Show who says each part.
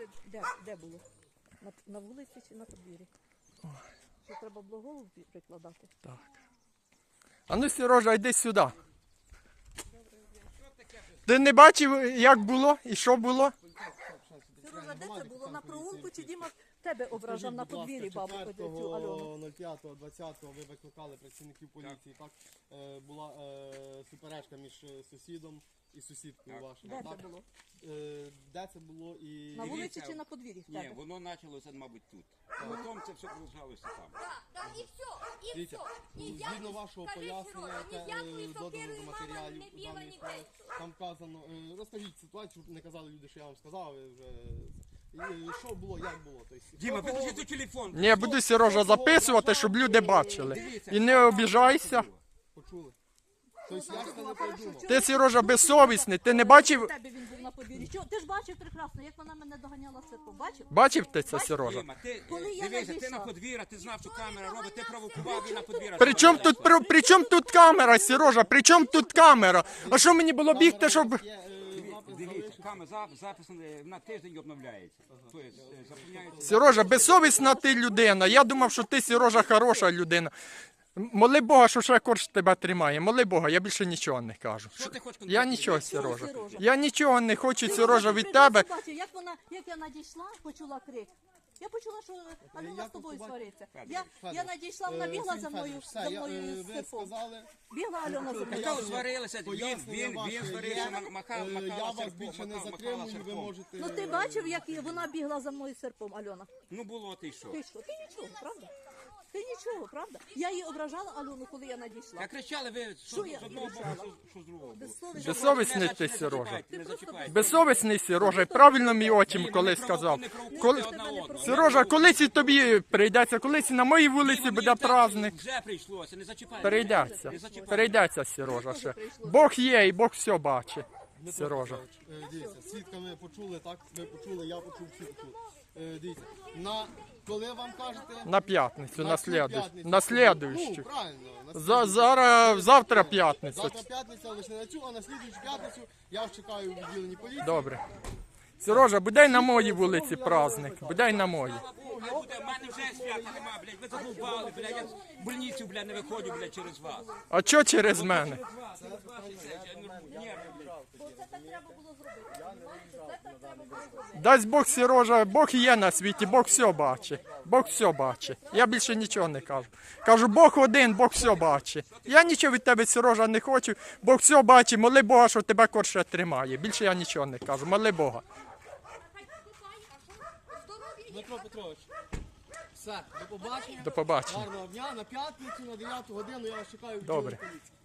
Speaker 1: це де було? На вулиці чи на подвір'ї? Що треба було голову прикладати?
Speaker 2: Так. А ну, Сережа, йди сюди. Ти не бачив, як було і що було?
Speaker 1: Сережа, де це було? На прогулку чи Діма тебе ображав на подвір'ї бабу цю Альону?
Speaker 3: 04.20 ви викликали працівників поліції, так? Була суперечка між сусідом і сусідкою вашою,
Speaker 1: Де
Speaker 3: так?
Speaker 1: це було?
Speaker 3: Де це було і...
Speaker 1: На вулиці чи на подвір'ї в тебе?
Speaker 4: Ні, воно почалося, мабуть, тут. Потім це все продовжалося там.
Speaker 5: Так, і все, і
Speaker 3: Дивіться,
Speaker 5: все.
Speaker 3: згідно вашого пояснення, яке додано до матеріалів
Speaker 5: не біла,
Speaker 3: даної
Speaker 5: ні
Speaker 3: справи,
Speaker 5: те.
Speaker 3: там вказано, розкажіть ситуацію, щоб не казали люди, що я вам сказав, ви вже... Що було, як було? Тобто,
Speaker 4: Діма, виключи той телефон.
Speaker 2: Ні, буду, Сережа, записувати, щоб люди бачили. І не обіжайся.
Speaker 3: Почули? Тобто я ж це не придумав.
Speaker 2: Ти, Сережа, безсовісний. Ти не бачив?
Speaker 1: У тебе він був на подвір'ї. Ти ж бачив прекрасно, як вона мене доганяла серпом. Бачив?
Speaker 2: Бачив ти це, Сережа?
Speaker 4: Діма, ти
Speaker 1: Коли я
Speaker 4: дивися, ти
Speaker 1: надійшла.
Speaker 4: на подвір'я, ти знав, що камера робить, ти провокував і на подвір'я.
Speaker 2: При чому тут камера, Сережа? При чому тут камера? А що мені було бігти, щоб...
Speaker 4: Дивіться, камера запис на тиждень обновляється. Тобто заповняється.
Speaker 2: Сережа, безсовісна ти людина. Я думав, що ти, Сережа, хороша людина. Моли Бога, що ще корж тебе тримає. Моли Бога, я більше нічого не кажу.
Speaker 4: Що ти хочеш
Speaker 2: Я
Speaker 4: конкретно?
Speaker 2: нічого, Сережа.
Speaker 1: Сережа?
Speaker 2: Я нічого не хочу, Сережа, від
Speaker 1: прекрасно
Speaker 2: тебе.
Speaker 1: бачив, як я надійшла, почула крик. Я почула, що Альона з тобою свариться. Я надійшла, вона бігла за мною з
Speaker 3: ви
Speaker 1: серпом.
Speaker 3: сказали,
Speaker 1: Бігла Альона за мною.
Speaker 4: Хто сварилися? Він сварився,
Speaker 3: я
Speaker 4: махала
Speaker 3: вас більше не затримую, ви
Speaker 4: серпом.
Speaker 3: можете...
Speaker 1: Ну ти бачив, як вона бігла за мною з серпом, Альона?
Speaker 4: Ну було, ти що?
Speaker 1: Ти що? Ти нічого, правда? Ти нічого, правда? Я її ображала Альону, коли я надійшла.
Speaker 4: Та кричали ви, що
Speaker 1: Що я
Speaker 4: з одного боку, що з другого боку.
Speaker 1: Безсовісно.
Speaker 2: Безсовісний ти, Сережа.
Speaker 4: Не зачіпайте.
Speaker 2: Безсовісний, Сережа. Правильно мій отчим колись сказав. Коли... Сережа, колись і тобі прийдеться, колись і на моїй вулиці буде праздник.
Speaker 4: Вже прийшлося, не зачіпайте.
Speaker 2: Перейдеться. Перейдеться, Сережа, ще. Бог є і Бог все бачить. Сережа.
Speaker 3: Дивіться, свідка ми почули, так? Ви почули, я почув, всі почули. Дивіться, коли вам кажете...
Speaker 2: На п'ятницю, на
Speaker 3: цю
Speaker 2: слідуючу.
Speaker 3: п'ятницю.
Speaker 2: На слідуючу.
Speaker 3: Ну, правильно.
Speaker 2: Завтра п'ятниця.
Speaker 3: Завтра п'ятниця, лише не на цю, а на слідуючу п'ятницю я вас чекаю у відділенні поліції.
Speaker 2: Добре. Сережа, буде й на моїй вулиці праздник. Буде й на моїй.
Speaker 4: В мене вже свята нема, блядь, ви задовбали, блядь, я в больницю, блядь, не виходжу, блядь, через вас.
Speaker 2: А що через мене?
Speaker 1: Бо це так треба було зробити. Знаєте, це так треба було зробити.
Speaker 2: Дасть Бог, Сережа, Бог є на світі, Бог все бачить. Бог все бачить. Я більше нічого не кажу. Кажу, Бог один, Бог все бачить. Я нічого від тебе, Сережа, не хочу. Бог все бачить. Моли Бога, що тебе корше тримає. Більше я нічого не кажу. Моли Бога.
Speaker 3: Дмитро Петрович, все, до побачення.
Speaker 2: До побачення.
Speaker 3: Гарного дня, на п'ятницю, на 9 годину я вас чекаю у
Speaker 2: Добре.
Speaker 3: відділенні поліції.